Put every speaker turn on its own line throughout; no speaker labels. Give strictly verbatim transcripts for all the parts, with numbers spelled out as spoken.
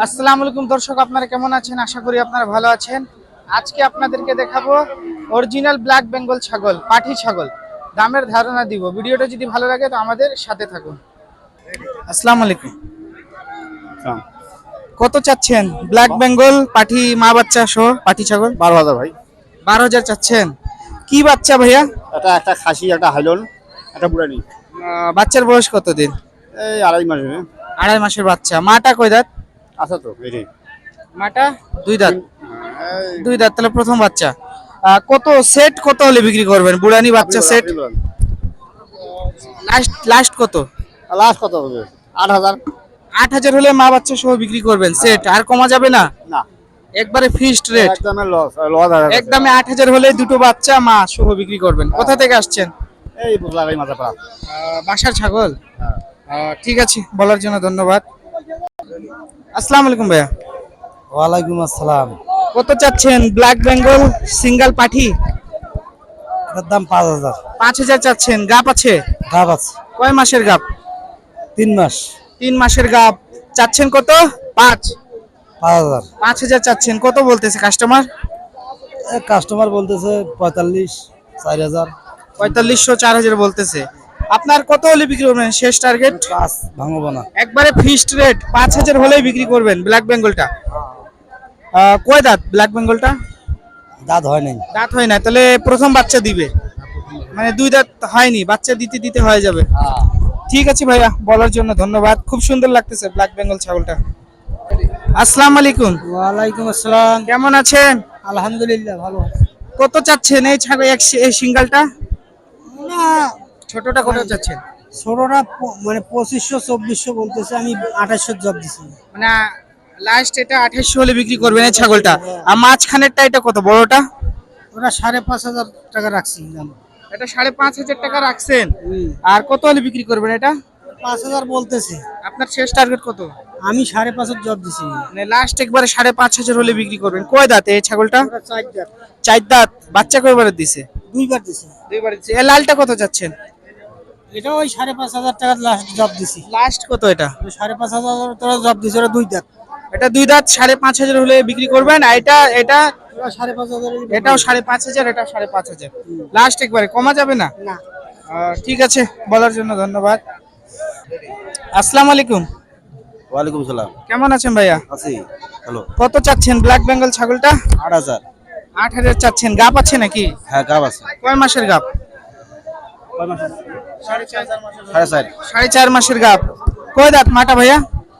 আসসালামু আলাইকুম দর্শক, আপনারা কেমন আছেন? আশা করি আপনারা ভালো আছেন। আজকে আপনাদেরকে দেখাবো অরিজিনাল ব্ল্যাক বেঙ্গল ছাগল, পাঠি ছাগল। দামের ধারণা দিব। ভিডিওটা যদি ভালো লাগে তো আমাদের সাথে থাকুন। আসসালামু আলাইকুম। কত চাচ্ছেন ব্ল্যাক বেঙ্গল পাঠি মা বাচ্চা সহ পাঠি ছাগল?
বারো হাজার ভাই।
বারো হাজার চাচ্ছেন। কি বাচ্চা ভাইয়া?
এটা একটা খাসি, একটা হাইলন, একটা বুড়ানি।
আহ, বাচ্চার বয়স কতদিন?
এই আড়াই মাস হবে।
আড়াই মাসের বাচ্চা। মাটা কয় দাঁত?
আছে তো এটাই।
মাটা দুই দাঁত।
এই
দুই দাঁত, তাহলে প্রথম বাচ্চা। আহ, কত সেট কত হলে বিক্রি করবেন বুড়ানি বাচ্চা সেট? লাস্ট লাস্ট কত?
লাস্ট কত হবে? আট হাজার।
আট হাজার হলে মা বাচ্চা সহ বিক্রি করবেন সেট, আর কমা যাবে না?
না,
একবারে ফিক্সড রেট।
একদমই লস লস।
একদমে আট হাজার হলে দুটো বাচ্চা মা সহ বিক্রি করবেন। কোথা থেকে আসছেন?
এই বুঝলা ভাই, মাথা পাড়া।
আহ, বাসার ছাগল। আহ, ঠিক আছে, বলার জন্য ধন্যবাদ। আসসালামু আলাইকুম ভাইয়া।
ওয়ালাইকুম আসসালাম।
কত চাচ্ছেন ব্ল্যাক বেঙ্গল সিঙ্গেল পাঠি?
এটার দাম পাঁচ হাজার।
পাঁচ হাজার চাচ্ছেন। গাপ আছে?
গাব আছে
কয় মাসের গাপ?
তিন মাস।
তিন মাসের গাপ। চাচ্ছেন কত? পাঁচ।
পাঁচ হাজার।
পাঁচ হাজার চাচ্ছেন। কত বলতেছে কাস্টমার?
কাস্টমার বলতেছে পঁয়তাল্লিশ, চার হাজার।
পঁয়তাল্লিশশো, চার হাজার বলতেছে। আপনার কত হলে বিক্রি করবেন শেষ টার্গেট?
পাঁচ ভাঙবো না।
একবারে ফিক্সড রেট পাঁচ হাজার হলেই বিক্রি করবেন ব্ল্যাক বেঙ্গলটা। আহ, কয় দাঁত ব্ল্যাক বেঙ্গলটা?
দাঁত হয় নাই।
দাঁত হয় না, তাহলে প্রথম বাচ্চা দিবে, মানে দুই দাঁত হয়নি, বাচ্চা দিতে দিতে হয়ে যাবে। ঠিক আছে ভাইয়া, বলার জন্য ধন্যবাদ। খুব সুন্দর লাগতেছে ব্ল্যাক বেঙ্গল ছাগলটা। আসসালামু আলাইকুম।
ওয়ালাইকুম আসসালাম।
কেমন আছেন?
আলহামদুলিল্লাহ ভালো।
কত চাচ্ছেন এই ছাগল, এক এই সিঙ্গালটা? ছোটটা কত চাচ্ছেন?
ছোটরা মানে পঁচিশশো চব্বিশশো বলতেছে, আমি আঠাশশো জব দিছি।
মানে লাস্ট এটা আঠাশশো হলে বিক্রি করবেন এই ছাগলটা। আর মাঝখানেরটা এটা কত, বড়টা?
ওরা সাড়ে পাঁচ হাজার টাকা রাখছি দাম।
এটা সাড়ে পাঁচ হাজার টাকা রাখছেন। আর কত হলে বিক্রি করবেন এটা?
পাঁচ হাজার বলতেছে।
আপনার শেষ টার্গেট কত?
আমি সাড়ে পাঁচের জব দিছি।
মানে লাস্ট একবারে সাড়ে পাঁচ হাজার হলে বিক্রি করবেন। কয় দাঁত এই ছাগলটা?
ওরা চার জাত।
চার দাঁত। বাচ্চা কয়বারে দিছে?
দুইবার দিছি।
দুইবার দিছে। এই লালটা কত চাচ্ছেন?
এটা ওই সাড়ে পাঁচ হাজার টাকা লাস্ট জব দিছি।
লাস্ট কত এটা?
ওই সাড়ে পাঁচ হাজার টাকা জব দিছি। ওরা দুই দাঁত।
এটা দুই দাঁত, সাড়ে পাঁচ হাজার হলে বিক্রি করবেন। আর এটা এটা
ওরা সাড়ে পাঁচ হাজার।
এটাও সাড়ে পাঁচ হাজার, এটাও সাড়ে পাঁচ হাজার। লাস্ট একবারে, কমা যাবে না?
না।
আহ, ঠিক আছে, বলার জন্য ধন্যবাদ। আসসালামু আলাইকুম।
ওয়ালাইকুম সালাম।
কেমন আছেন ভাইয়া?
আছি হ্যালো।
কত চাচ্ছেন ব্ল্যাক বেঙ্গল ছাগলটা?
আট হাজার।
আট হাজার চাচ্ছেন। গাপ আছে নাকি?
হ্যাঁ, গাব আছে।
কয় মাসের গাপ?
সাড়ে চার।
সাড়ে চার মাসের গাপ। কয় দাঁত মাটা ভাইয়া?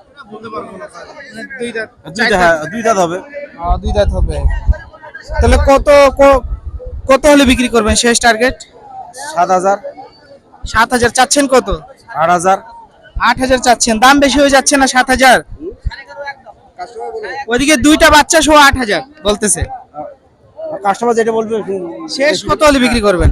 দুই দাঁত।
দুইটা, হ্যাঁ দুই দাঁত হবে।
আহ, দুই দাঁত হবে। তাহলে কত ক- কত হলে বিক্রি করবেন শেষ টার্গেট?
সাত হাজার।
সাত হাজার চাচ্ছেন। কত?
আট হাজার।
আট হাজার চাচ্ছেন। দাম বেশি হয়ে যাচ্ছে না? সাত হাজার। ওইদিকে দুইটা বাচ্চা সহ আট হাজার বলতেছে।
কাস্টমার যেটা বলবে।
শেষ কত হলে বিক্রি করবেন?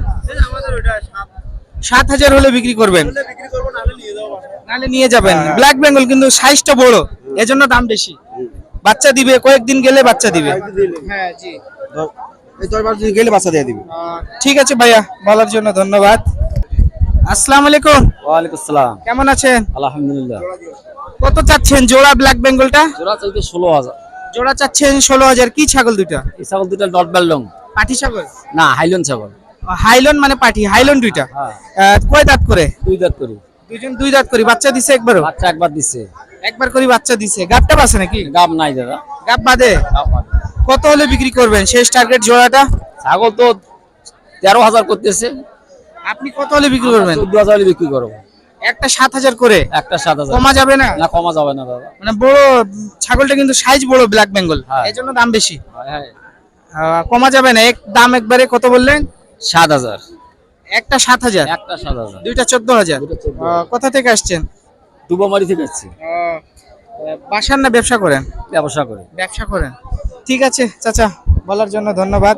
সাত হাজার হলে বিক্রি করবেন, নাহলে নিয়ে যাবেন। ব্ল্যাক বেঙ্গল কিন্তু সাইজটা বড়, এজন্য দাম বেশি। বাচ্চা দিবে কয়েকদিন গেলে, বাচ্চা দিবে। হ্যাঁ জি।
এই দশ বারো দিন গেলে বাচ্চা দিয়ে দিবে।
ঠিক আছে ভাইয়া, বলার জন্য ধন্যবাদ। আসসালামু আলাইকুম।
ওয়ালাইকুম আসসালাম।
কেমন আছেন?
আলহামদুলিল্লাহ।
কত চাচ্ছেন জোড়া ব্ল্যাক বেঙ্গলটা?
জোড়া চলতে ষোলো হাজার।
জোড়া চাচ্ছেন ষোলো হাজার। কি ছাগল দুইটা?
এই ছাগল দুটা ডট বেলডং।
পাঠি ছাগল
না, হাইলন ছাগল।
হাইলন মানে পাঠি, হাইলন দুইটা।
হ্যাঁ।
আহ, কয় দাঁত করে?
দুই দাঁত করি।
দুইজন দুই দাঁত করি। বাচ্চা দিছে একবারও?
বাচ্চা একবার দিচ্ছে।
একবার করে বাচ্চা দিছে। গাবটা আছে নাকি?
গাব নাই দাদা।
গাব বাদে।
গাব বাদে।
কত হলে বিক্রি করবেন শেষ টার্গেট জোড়াটা?
ছাগল তো তেরো হাজার করতেছে।
আপনি কত হলে বিক্রি করবেন?
চোদ্দ হাজার হলে বিক্রি করবো।
একটা সাত হাজার করে।
একটা সাত হাজার।
কমা যাবে না?
না, কমা যাবে না দাদা।
মানে বড় ছাগলটা কিন্তু সাইজ বড় ব্ল্যাক বেঙ্গল,
হ্যাঁ।
এই জন্য দাম বেশি।
হ্যাঁ,
আহ, কমা যাবে না? এক দাম একবারে কত বললেন?
সাত হাজার।
একটা সাত হাজার,
একটা সাত হাজার।
দুইটা চোদ্দ হাজার।
দুইটা চোদ্দ
আহ,
হাজার।
কোথা থেকে আসছেন?
দুবামারি থেকে আসছি।
আহ, বাসার না ব্যবসা করেন?
ব্যবসা করে।
ব্যবসা করেন। ঠিক আছে চাচা, বলার জন্য ধন্যবাদ।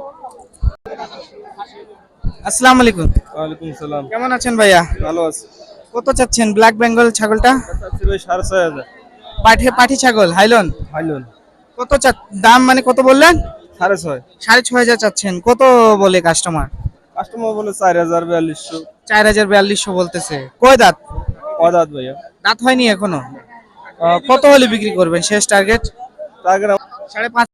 আসসালামু আলাইকুম।
ওয়ালাইকুম সালাম।
কেমন আছেন ভাইয়া?
ভালো আছি।
কত চাচ্ছেন ব্ল্যাক বেঙ্গল ছাগলটা?
চাচ্ছি ভাই সাড়ে ছয় হাজার।
পাঠি পাঠি ছাগল হাইলন।
হাইলন
কত চা দাম, মানে কত বললেন?
সাড়ে ছয়।
সাড়ে ছয় হাজার চাচ্ছেন। কত বলে কাস্টমার?
কাস্টমার বলে চার হাজার বিয়াল্লিশশো।
চার হাজার বিয়াল্লিশশো বলতেছে। কয় দাঁত?
অদাত ভাইয়া।
দাঁত হয়নি এখনো। আহ, কত হলে বিক্রি করবেন শেষ টার্গেট?
টার্গেট
সাড়ে পাঁচ